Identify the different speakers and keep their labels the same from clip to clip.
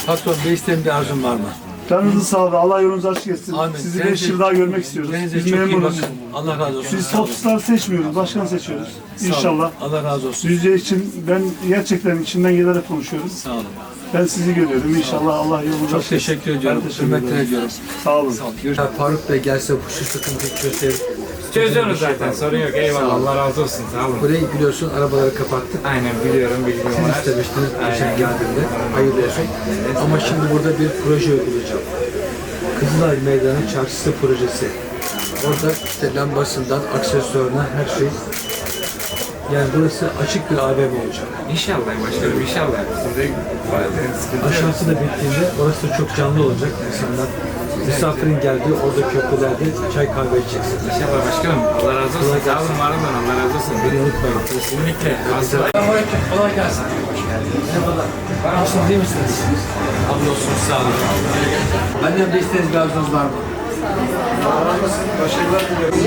Speaker 1: Patron, bir isteğin, bir arzun var mı?
Speaker 2: Canınızı sağlığı. Allah yolunuzu açık etsin.
Speaker 1: Amin.
Speaker 2: Sizi 5 yıl daha görmek istiyoruz.
Speaker 1: Kendinize
Speaker 2: Biz
Speaker 1: çok iyi
Speaker 2: memnunuz.
Speaker 1: bakın. Allah razı olsun.
Speaker 2: Biz
Speaker 1: Sağ olun.
Speaker 2: topçular seçmiyoruz, başkan seçiyoruz.
Speaker 1: Sağ olun.
Speaker 2: İnşallah.
Speaker 1: Allah razı olsun.
Speaker 2: Düzce için ben gerçekten içinden gelerek konuşuyorum.
Speaker 1: Sağ olun.
Speaker 2: Ben sizi görüyorum. İnşallah Allah yolunuzu
Speaker 1: Çok
Speaker 2: açık etsin.
Speaker 1: teşekkür ediyorum.
Speaker 2: Ben teşekkür
Speaker 1: Hürmetler
Speaker 2: ederim.
Speaker 1: ediyorum.
Speaker 2: Sağ olun.
Speaker 1: Sağ olun. Faruk Bey gelse şu sıkıntıyı çözer.
Speaker 3: Çözüyoruz zaten, sorun yok. Eyvallah, Allah razı olsun. Sağ olun.
Speaker 1: Burayı biliyorsun, arabaları kapattık.
Speaker 3: Aynen biliyorum, bilgim
Speaker 1: Siz
Speaker 3: var.
Speaker 1: istemiştiniz geçen geldiğinde. Hayırlı olsun. Ama şimdi burada bir proje uygulayacağım. Kızılay Meydanı Çarşısı projesi. Orada işte lambasından aksesuarına her şey. Yani burası açık bir AVM olacak.
Speaker 3: İnşallah başkanım, inşallah. Size sıkıntı yok.
Speaker 1: Aşağısı da bittiğinde orası da çok canlı olacak. İnsanlar misafirin geldiği orada köprülerde çay kahve içeceksin.
Speaker 3: İnşallah başkanım. Allah razı olsun. Sağ olun, var olun. Allah razı olsun.
Speaker 1: Beni unutmayın.
Speaker 3: Kesinlikle.
Speaker 1: Selamünaleyküm. Kolay gelsin. Merhabalar. Nasılsınız, iyi misiniz? Hamdolsun, sağ olun. Benden de isteğiniz, bir arzunuz var mı?
Speaker 2: Başarılar diliyorum.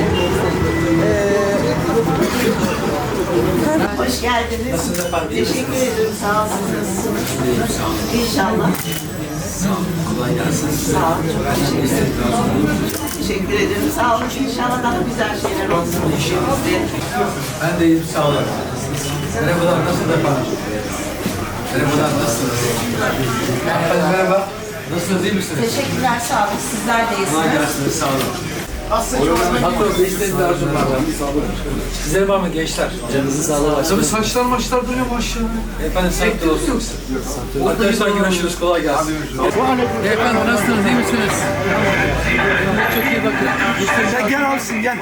Speaker 4: Hoş geldiniz.
Speaker 1: Nasılsınız efendim?
Speaker 4: Teşekkür ederim. Sağ olun. Nasılsınız?
Speaker 1: İyiyim, sağ olun.
Speaker 4: İnşallah.
Speaker 1: Sağ olun. Kolay gelsin.
Speaker 4: Sağ olun. Çok
Speaker 1: Benden de isteğiniz, bir arzunuz var mı?
Speaker 4: teşekkür ederim. Sağ olun. İnşallah daha güzel şeyler olsun ülkemizde.
Speaker 1: Ben de iyiyim, sağ olun. Merhabalar, nasılsınız efendim? Merhabalar, nasılsınız? Efendim merhaba. Nasılsınız, iyi misiniz?
Speaker 4: Teşekkürler. Sağ olun. Sizler de
Speaker 1: Kolay
Speaker 4: iyisiniz.
Speaker 1: gelsin, sağ olun. Patron, bir isteğiniz, bir arzum var mı? Sizler var mı gençler? Canınızı sağlığı başlayın.
Speaker 2: Tabii saçlar maçlar duruyor maşallah.
Speaker 1: Efendim sağlıklı olsun. Arkadaşlar görüşürüz, kolay gelsin. Efendim nasılsınız, iyi misiniz? Çok iyi bakın.
Speaker 2: Sen gel alsın gel.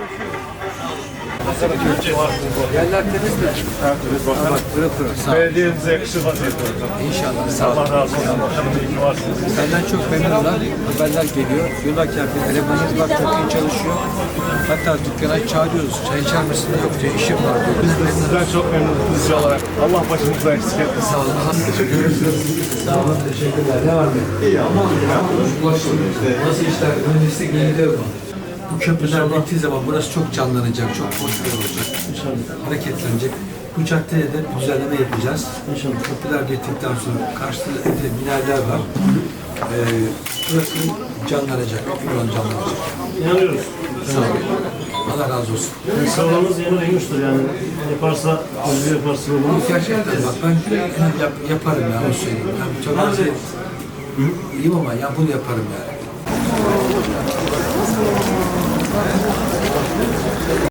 Speaker 1: Yerler temiz mi?
Speaker 2: Evet,
Speaker 1: Bak pırıl pırıl. Sağ ol.
Speaker 2: Belediyemize yakışır vaziyette.
Speaker 1: İnşallah. Sağ ol.
Speaker 2: Allah razı olsun. Başkanım iyi ki varsınız.
Speaker 1: Senden çok memnunlar. Haberler geliyor. Diyorlar ki bir elemanınız var, çok iyi çalışıyor. Hatta dükkana çağırıyoruz. Çay içer misin? Yok diyor, işim var diyor.
Speaker 2: Biz de sizden çok memnunuz Düzce olarak. Allah başımızdan eksik etmesin.
Speaker 1: Sağ olun. Görüşürüz. Sağ olun. Teşekkürler. Ne var mı? İyi ama. Nasıl işler? Mühendislik gidiyor mu? Bu köprüler bittiği zaman burası çok canlanacak, çok hoş bir yer olacak. Hareketlenecek. Bu caddeye de bir düzenleme yapacağız. Köprüler bittikten sonra karşıda binalar var. Burası canlanacak, buranın canlanacak.
Speaker 5: İnanıyoruz.
Speaker 1: Sağ olun. Allah razı olsun.
Speaker 5: Sağlığımız yeni duymuştur yani. Yaparsa, özgür yaparsa olur.
Speaker 1: Gerçekten bak ben yaparım ya, onu söyleyeyim. Yani çok az iyiyim ama ya bunu yaparım yani.